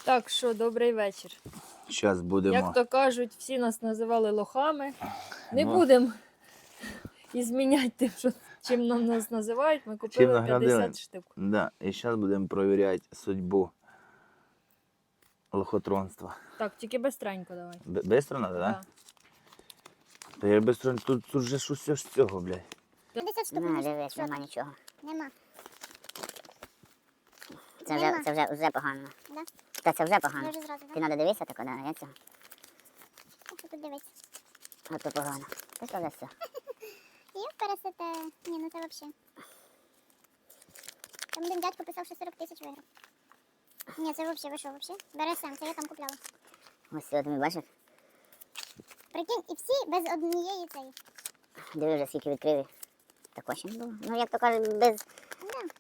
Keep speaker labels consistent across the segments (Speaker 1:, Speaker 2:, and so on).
Speaker 1: Так що, добрий вечір.
Speaker 2: Зараз будемо.
Speaker 1: Як то кажуть, всі нас називали лохами. Не
Speaker 2: Ну.
Speaker 1: будемо зміняти тим, що чим нас називають. Ми
Speaker 2: Чим
Speaker 1: купили
Speaker 2: наградили?
Speaker 1: 50 штук.
Speaker 2: Да. І зараз будемо перевіряти судьбу лохотронства.
Speaker 1: Так, тільки бистренько давай.
Speaker 2: Бистро треба, так?
Speaker 1: Да.
Speaker 2: Та я бистро, тут же ж усе ж з цього, блядь.
Speaker 3: 50 штук.
Speaker 4: Ну, дивись, нема нічого.
Speaker 3: Нема.
Speaker 4: Це вже погано.
Speaker 3: Да?
Speaker 4: Та це вже
Speaker 3: Я
Speaker 4: погано.
Speaker 3: вже зразу,
Speaker 4: Ти
Speaker 3: да?
Speaker 4: треба дивитися тако, да, я цього.
Speaker 3: А що тут дивиться?
Speaker 4: Ото погано. Це що за все?
Speaker 3: І пересите. Ні, ну це взагалі. Там один дядько писав, що 40 тисяч виграв. Ні, це взагалі, ви що, взагалі? БРСМ, це я там купляла.
Speaker 4: Ось сьогодні, бачиш?
Speaker 3: Прикинь, і всі без однієї цієї.
Speaker 4: Диви вже скільки відкрили. Такого ще не було. Ну, як то кажуть, без
Speaker 3: Да.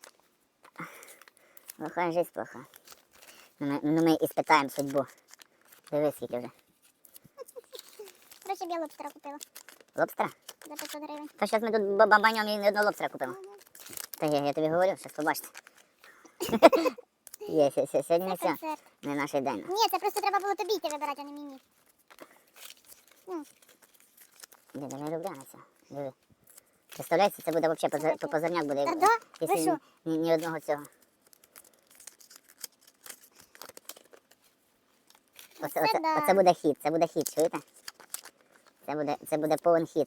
Speaker 4: лоха життя плоха. Ну ми і спитаємо судьбу. Диви скільки вже.
Speaker 3: Короче, я лобстера купила
Speaker 4: Лобстера?
Speaker 3: за 500 гривень.
Speaker 4: Та зараз ми тут бабаньом і не одного лобстера купимо. Та я тобі говорю, зараз побачите. Є, сьогодні не
Speaker 3: Це
Speaker 4: все.
Speaker 3: концерт.
Speaker 4: Не наш день.
Speaker 3: Ні, це просто треба було тобі йти вибирати, а не мені. Ну,
Speaker 4: Диви, не люблю на це. Диви. Представляєте, це буде взагалі позорняк буде.
Speaker 3: Та да? Ви
Speaker 4: Якщо
Speaker 3: що?
Speaker 4: ні одного цього. Оце буде хід, чуєте? Це буде повен хід.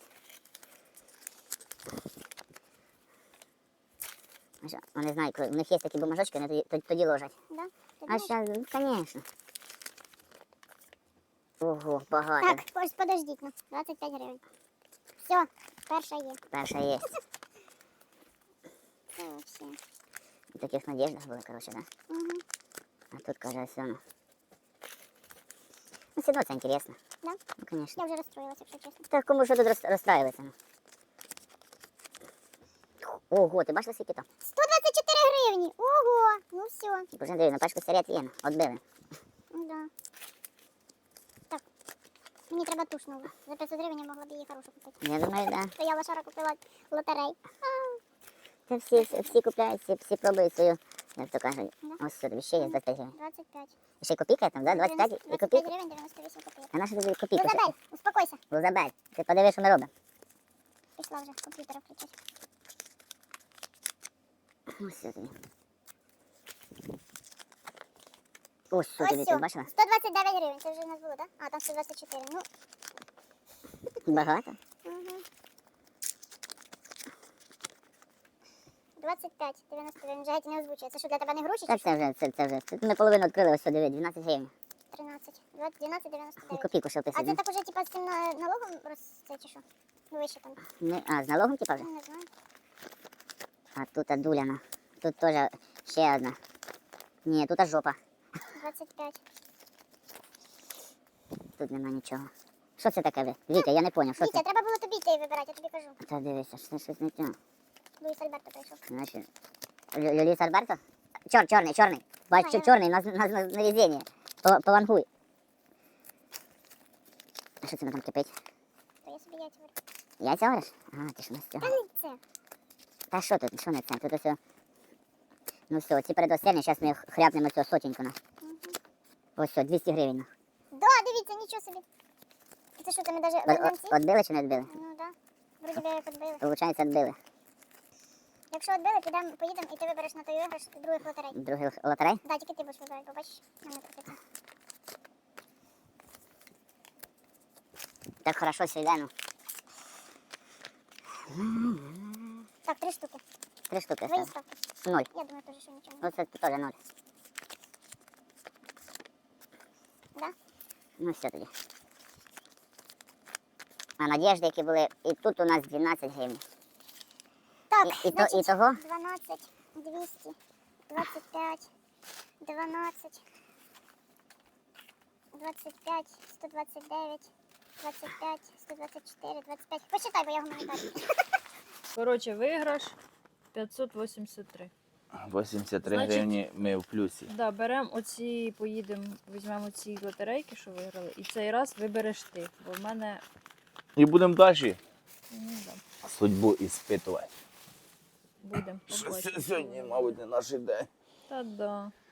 Speaker 4: Вони знають, у них є такі бумажочки, вони тоді ложать.
Speaker 3: да? Ти
Speaker 4: А
Speaker 3: думаєш?
Speaker 4: зараз, звісно. Ого, багато.
Speaker 3: Так, ось подождіть, ну, 25 гривень. Все, перша є.
Speaker 4: Перша є.
Speaker 3: Це вообще.
Speaker 4: В таких надіждах були, коротше, да?
Speaker 3: Угу.
Speaker 4: А тут, каже, все. Ну, все одно це інтересно.
Speaker 3: Да?
Speaker 4: Ну, звісно.
Speaker 3: Я вже розстроїлася, якщо чесно.
Speaker 4: Так кому що тут розстраюватися? Ого, ти бачила скільки там?
Speaker 3: 124 гривні! Ого! Ну все.
Speaker 4: Боже, Андрій, на пачку сигарет є, відбили.
Speaker 3: Да. Так, мені треба туш нову. За 500 гривень я могла б її хорошу купити.
Speaker 4: Я думаю, да.
Speaker 3: То я лошара купила лотерей.
Speaker 4: Це всі купляють, всі пробують свою, як то кажуть.
Speaker 3: Да.
Speaker 4: Ось сюди, ще є 25 гривень.
Speaker 3: 25.
Speaker 4: І ще й копійка там, да? 25 і
Speaker 3: 25
Speaker 4: копійка.
Speaker 3: гривень 98 копійок.
Speaker 4: А наша тобі копійка?
Speaker 3: Лузабель, успокойся.
Speaker 4: Лузабель, ти подиви, що ми робимо.
Speaker 3: Пішла вже комп'ютера включати.
Speaker 4: Ось сюди. Ось сюди,
Speaker 3: Ось
Speaker 4: ти
Speaker 3: все.
Speaker 4: бачила?
Speaker 3: 129 гривень, це вже у нас було, так? Да? А, там 124. Ну,
Speaker 4: Багато.
Speaker 3: угу. 25, 99, вже геть не озвучує. Це що, для тебе не гроші чи
Speaker 4: Так,
Speaker 3: що?
Speaker 4: це вже. Тут ми половину відкрили, ось сюди, 12 гривень.
Speaker 3: 13, 12,
Speaker 4: І
Speaker 3: 99.
Speaker 4: копійку ще
Speaker 3: А це
Speaker 4: вписати.
Speaker 3: так уже типа з цим налогом це чи що? Вище там.
Speaker 4: А, з налогом типа вже?
Speaker 3: Ну, не знаю.
Speaker 4: А тут дуляна. Тут теж ще одна. Ні, тут жопа.
Speaker 3: 25.
Speaker 4: Тут нема нічого. Що це таке ви? Вітя, я не поняв, що
Speaker 3: Вітя,
Speaker 4: це?
Speaker 3: треба було тобі йти вибирати, я тобі кажу.
Speaker 4: Та дивися, щось не те.
Speaker 3: Луїс Альберто прийшов.
Speaker 4: Значить, Люліс Альберто? Чорний. Бач,
Speaker 3: Ага.
Speaker 4: чорний, на везіння. Повангуй. А що це там кипить?
Speaker 3: То я собі яйця вирішив.
Speaker 4: Яйця говориш? Ага, ти ж не з
Speaker 3: Та
Speaker 4: цього.
Speaker 3: не це.
Speaker 4: Та що тут, що не це? Тут ось... Ну все, ці передостанні, зараз ми хряпнемо цього сотеньку на.
Speaker 3: Угу.
Speaker 4: Ось все, 200 гривень.
Speaker 3: Да, дивіться, нічого собі. Це що, ми навіть візьмемо ці?
Speaker 4: Отбили чи не відбили?
Speaker 3: Ну да. Вроді би як відбили.
Speaker 4: Получається, відбили.
Speaker 3: Якщо відбили, поїдемо і ти вибереш на той виграш других лотерей.
Speaker 4: Другий лотерей?
Speaker 3: Да, тільки ти будеш вибирати, побачиш. Мене крутиться.
Speaker 4: Так хорошо все йде, ну.
Speaker 3: Так, 3 штуки.
Speaker 4: 3 штуки.
Speaker 3: Твої
Speaker 4: Все.
Speaker 3: ставки.
Speaker 4: 0.
Speaker 3: Я думаю, теж, що нічого не.
Speaker 4: Ну це теж 0.
Speaker 3: Да?
Speaker 4: Ну все тоді. А надіжди, які були, і тут у нас 12 гривень.
Speaker 3: Так,
Speaker 4: І
Speaker 3: значить,
Speaker 4: того?
Speaker 3: 12, 200, 25, 12, 25, 129, 25, 124, 25. Посчитай, бо я гуманітарій.
Speaker 1: Коротше, виграш 583.
Speaker 2: 83
Speaker 1: Значить-
Speaker 2: гривні ми в плюсі.
Speaker 1: Да, беремо оці, поїдемо, візьмемо ці лотерейки, що виграли, і цей раз вибереш ти, бо в мене,
Speaker 2: І будемо далі
Speaker 1: ну, да,
Speaker 2: судьбу іспитувати.
Speaker 1: будемо.
Speaker 2: Сьогодні, мабуть, не наш день.
Speaker 1: Та да.